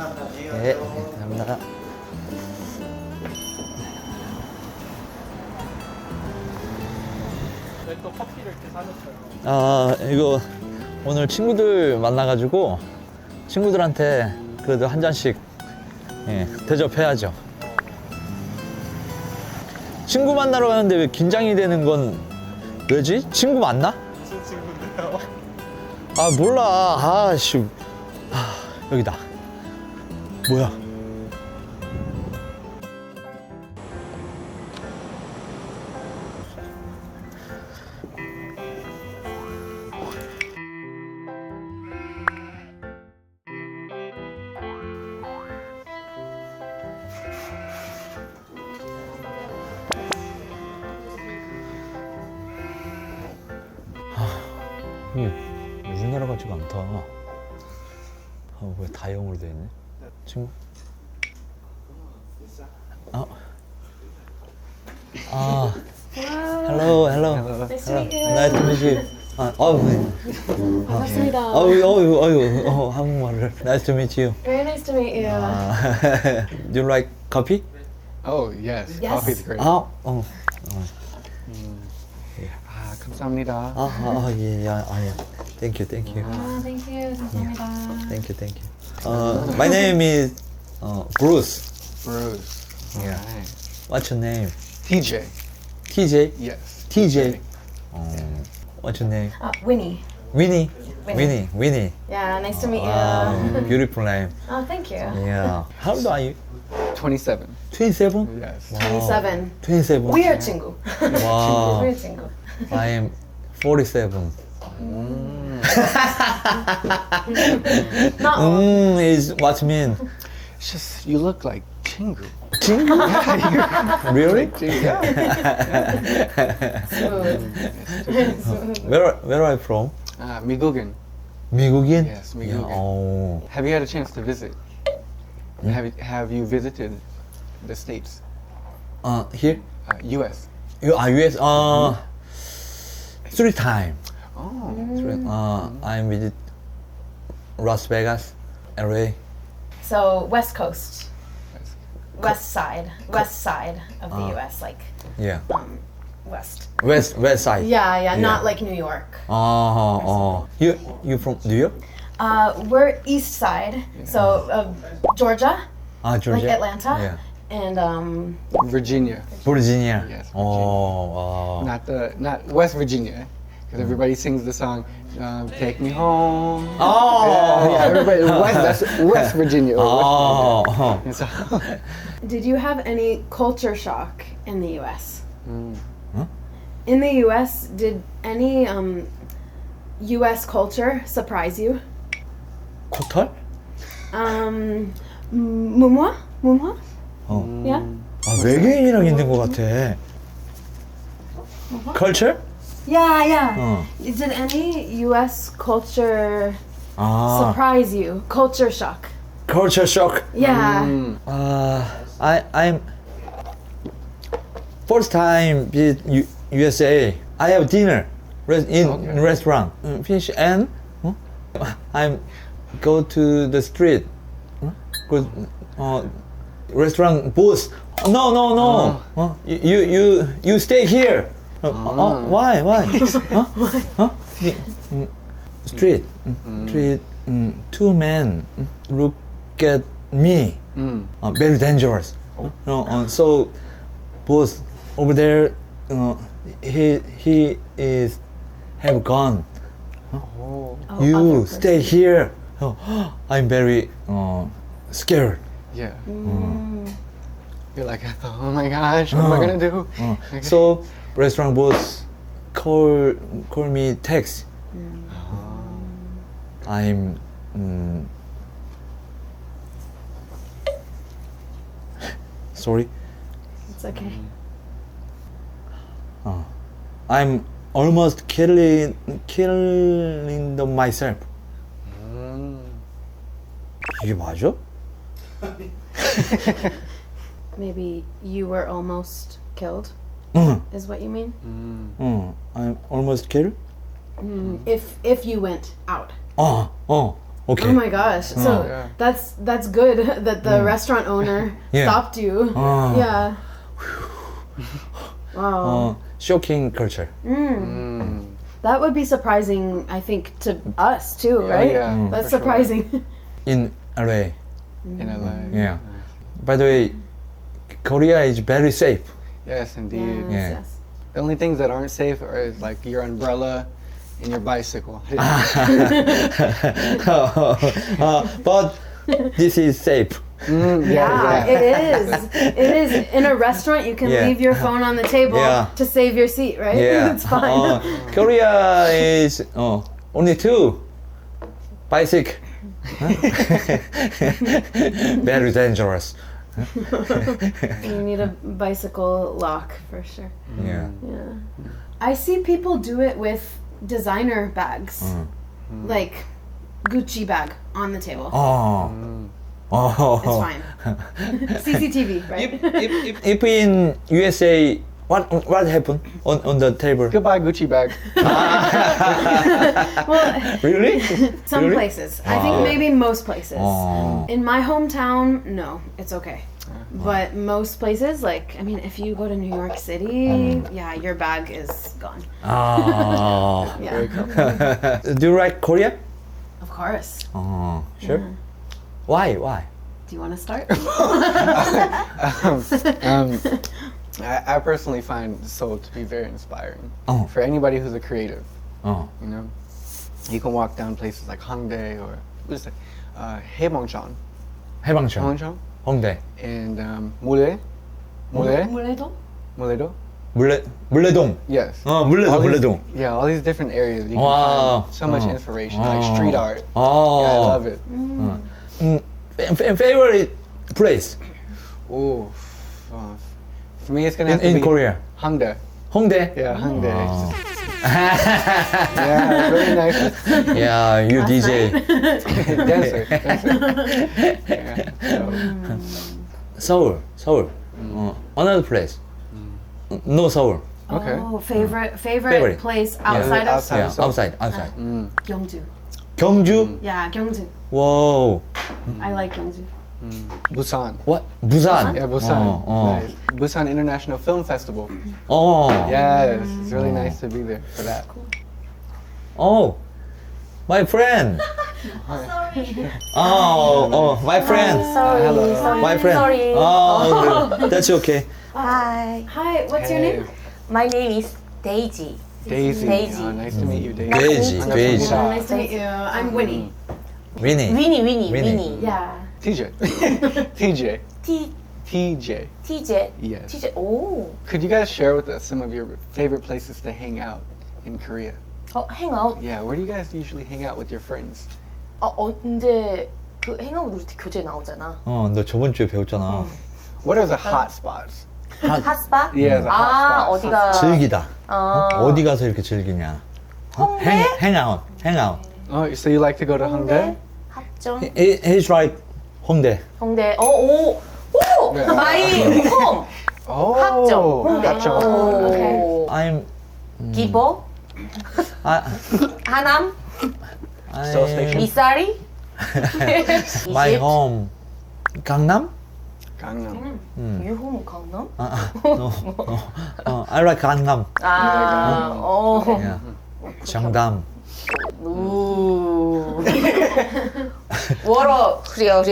네, 감사합니다. 왜 또 커피를 이렇게 사줬어요? 이거 오늘 친구들 만나가지고 친구들한테 그래도 한 잔씩 대접해야죠. 친구 만나러 가는데 왜 긴장이 되는 건 왜지? 친구 맞나? 무슨 친구인데요? 아 몰라. 아씨. 여기다. 뭐야? 이게 우리나라 같지가 않다. 왜 다 영어로 되어 있네? 친구? hello. Nice to meet you. Nice to meet you. 반갑습니다. 한국말을. Nice to meet you. Very nice to meet you. Do you like coffee? Oh yes, Yes. coffee's great. 감사합니다. 예. Thank you. Thank you. 감사합니다. Thank you. My name is Bruce. Bruce. Yeah. Alright. What's your name? TJ. TJ? Yes. TJ. What's your name? Winnie. Winnie. Winnie. Winnie. Yeah, nice to meet you. Beautiful name. Oh, thank you. Yeah. How old are you? 27. 27? Yes. 27. 27. We are 친구. Wow. We're 친구. I am 47. Not old. Is what mean? It's just you look like Chingu. 친구? Really? Yeah. Smooth. Where are you from? 미국인. 미국인? Yes, 미국인. Yeah. Have you had a chance to visit? Have you visited the states? Here? U.S. US? 3 times. Oh. I visit Las Vegas, LA. So West Coast. West side of the U.S. Like Yeah. west. West side. Yeah, not like New York. You from New York? We're east side, so Georgia, Georgia. like Atlanta, Yeah. and Virginia. Virginia. Yes, Virginia. Oh. Not West Virginia, because everybody sings the song "Take Me Home." Oh. Yeah, everybody. That's West Virginia. Oh. And so, Did you have any culture shock in the U.S.? Huh? In the U.S., did any U.S. culture surprise you? 코털? 문화? Yeah. 외계인이랑 있는 것 같아. Culture? Yeah. Did any U.S. culture surprise you? Culture shock. Culture shock. Yeah. I'm first time visit USA. I have dinner in restaurant. Finish and I'm go to the street. Go restaurant booth. No. You stay here. Why? Street. Two men look at me. Very dangerous. So both over there. He is have gone. You other stay here. I'm very scared. yeah. You're like, oh my gosh, what am I gonna do? Okay. So restaurant boss call me text. I'm sorry. It's okay. I'm almost killing myself. 이게 맞아? Maybe you were almost killed, 응. is what you mean? I'm almost killed. If you went out. Okay. Oh my gosh. So Yeah. that's good that the restaurant owner Yeah. stopped you. Oh. Yeah. Wow. Shocking culture. That would be surprising, I think, to us too, right? yeah, That's for sure. surprising. In LA. In LA. Yeah. By the way, Korea is very safe. Yes, indeed. Yeah. Yes. The only things that aren't safe are like your umbrella and your bicycle. But this is safe. Yeah, it is. It is. In a restaurant, you can Yeah. leave your phone on the table Yeah. to save your seat, right? Yeah. It's fine. Korea is only 2 bicycle. Very dangerous. You need a bicycle lock for sure. Yeah. Yeah. I see people do it with designer bags, like Gucci bag on the table. Oh. It's Oh. fine. CCTV, right? If in USA, what happened on the table? Goodbye, Gucci bag. Well, Really? some Really? places. I think maybe most places. Oh. In my hometown, no, it's okay. But most places, like, I mean, if you go to New York City, yeah, your bag is gone. Oh. Yeah, Do you like Korea? of course. Oh, sure. Why? Do you want to start? I personally find Seoul to be very inspiring. Oh. For anybody who's a creative, Oh. you know, you can walk down places like Hongdae or what is it, Haebangchon, 해방촌, Haebangchon, 홍대, and Mule, Muledo? Muledo. 물레동. Yes. 어, 물레동, All these- 물레동. Yeah, all these different areas. You can Wow. find so much Oh. inspiration, like street art. Oh. Yeah, I love it. Favorite place Ooh, for me, it's gonna have to in be Korea? Hongdae. 홍대. Yeah, Hongdae. Oh. Yeah, very nice. Yeah, you DJ. Dancer. Yeah, so, Seoul. Another place. No Seoul. Okay. Oh, favorite Favorite. place outside of Outside. Yeah, Seoul. outside. Gyeongju. 경주. Yeah, Gyeongju. Whoa. I like Gyeongju. Busan. What? 부산. Yeah, Busan. Oh. Nice. Busan International Film Festival. Oh. Yes, it's really nice to be there for that. Oh. My friend. Oh, my friend. Hello. My friend. Sorry. Oh, that's okay. Hi, Hi, what's your name? my name is Daisy. Daisy. Daisy. Nice to meet you, Daisy. 돼지, 돼지. Nice to meet you. I'm Winnie. Winnie. Winnie. Yeah. TJ. TJ. T TJ. TJ. Yes. TJ. 오. Could you guys share with us some of your favorite places to hang out in Korea? 행아웃. Yeah, where do you guys usually hang out with your friends? 언제 그 행아웃 우리 교재 나오잖아. 너 저번 주에 배웠잖아. What are the hot spots? 핫스팟? Yeah, the hot 아, spots. 어디가 즐기다. 아. 어디 가서 이렇게 즐기냐? 행아웃. Oh, so you like to go to Hongdae? 합정. He's right. 홍대. 홍대. 오. Yeah. 마이 홈. Oh, 합정. 홍대. 합정. 오. I'm 기보. 하남. Seoul Station. 미사리. My 이집. home. 강남? Gangnam. 유홈 강남? No. I like 강남. 아. 오. Yeah. 정담. 우. 워러 그래요.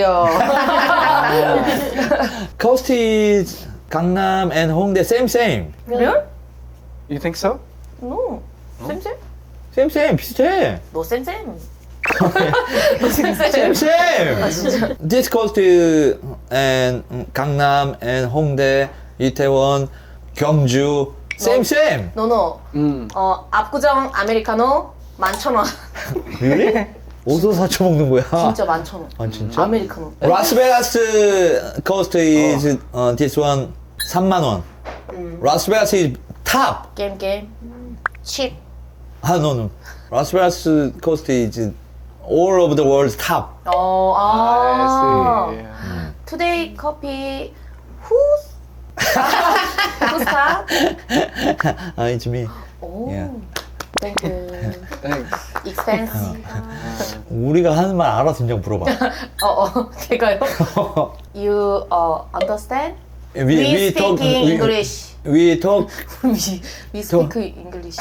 Coast is 강남 and 홍대 same. Really? You think so? No. 쌤쌤? Same 비슷해. 너 쌤쌤. 너 쌤쌤. Same. This coast and 강남 and 홍대, 이태원, 경주 same. 노노. 압구정 아메리카노 11,000원. Really? 어디서 사쳐 먹는 거야? 진짜 11,000원. 아 진짜? 아메리카노. 라스베가스 coast is this one 3만 원. 라스베가스 is top. 게임. 칩. No. 라스베가스 coast is all over the world top. I see. Yeah. Today coffee who's who's top? It's me. 오. Yeah. Thank you. Thanks. Expensive. 우리가 하는 말 알아? 진짜 물어봐. 제가요? You understand? We We speak talk English. We talk we speak English.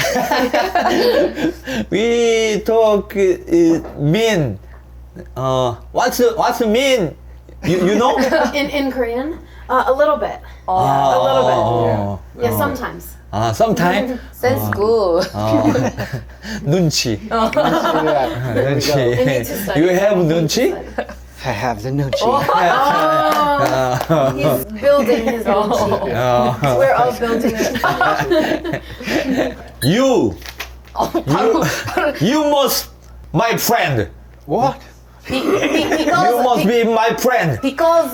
we talk mean. What's mean? You know? In Korean, a little bit. a little bit. bit. Yeah, sometimes. Sometime. Sounds good. 눈치. Yeah. 눈치. You need to study. You have 눈치? I have the nuchi. Oh, he's building his own. We're all building it. You must my friend. What? You must be my friend. Because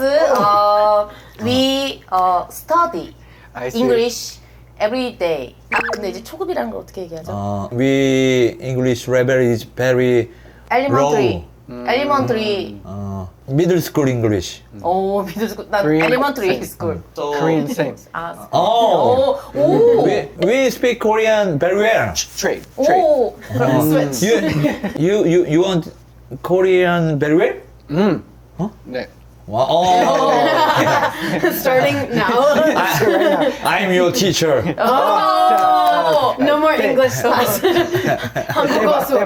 we study I see. English every day. 근데 이제 초급이라는 걸 어떻게 얘기하죠? We English level is very Elementary. Elementary. middle school English. 오, 미드 스쿨. 난 Korean elementary same. school. Korean same. 아, Oh, 오, we speak Korean very well. Trade. 오. 그럼 switch. You want Korean very well? 네. Wow. Oh. Starting now. I'm your teacher. Oh, no more English class. 한국어 수업.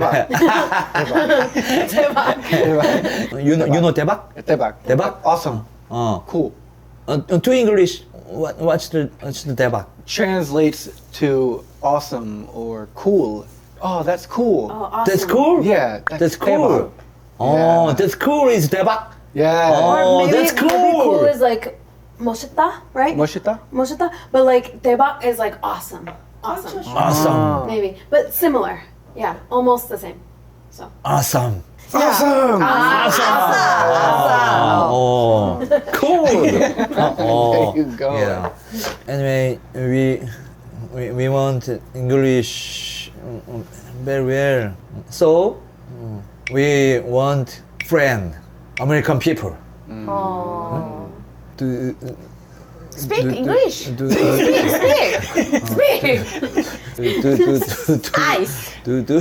대박. You know 대박? 대박. 대박? Awesome. 어. Cool. To English, what's the 대박? Translates to awesome or cool. Oh, that's cool. Oh, awesome. That's cool. Yeah. That's cool. Oh, Yeah. that's cool is 대박. Yeah. Oh, Maybe, that's maybe cool cool. is like 멋있다, right? 멋있다? 멋있다, but like 대박 is like awesome. Awesome. Awesome. Maybe, but similar. Yeah, almost the same. So. Awesome. Awesome. Oh, cool. Oh, There you go. Yeah. Anyway, we want English very well. So we want friend, American people. To Speak English. To Speak. Ice.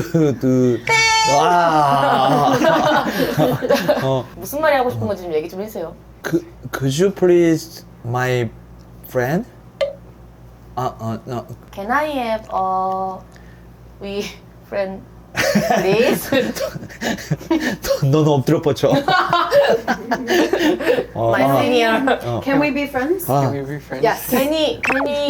무슨 말이 하고 싶은 건지 좀 얘기 좀 해주세요. Could you please my friend? No. Can I have we friend please? 넌 엎드려 뻗쳐. My senior. Can we be friends? Can we be friends? Yes. Can we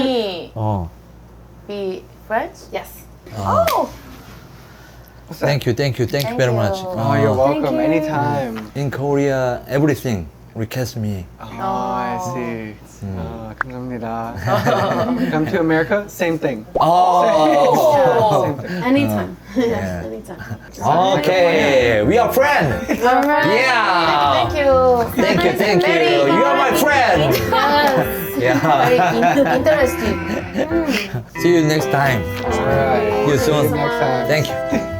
be friends? Yes. Oh. Thank you very you. much. Oh, you're welcome. you. Anytime. In Korea, everything request me. Oh, I see. 감사합니다. Come to America, same thing. Oh. Same thing. Anytime. Yeah. Anytime. Okay, we are friends. All right. Yeah. Thank you. Thank you. You are my friend. Yes. Yeah. Very interesting. See you next time. All right. See you soon. Next time. Thank you.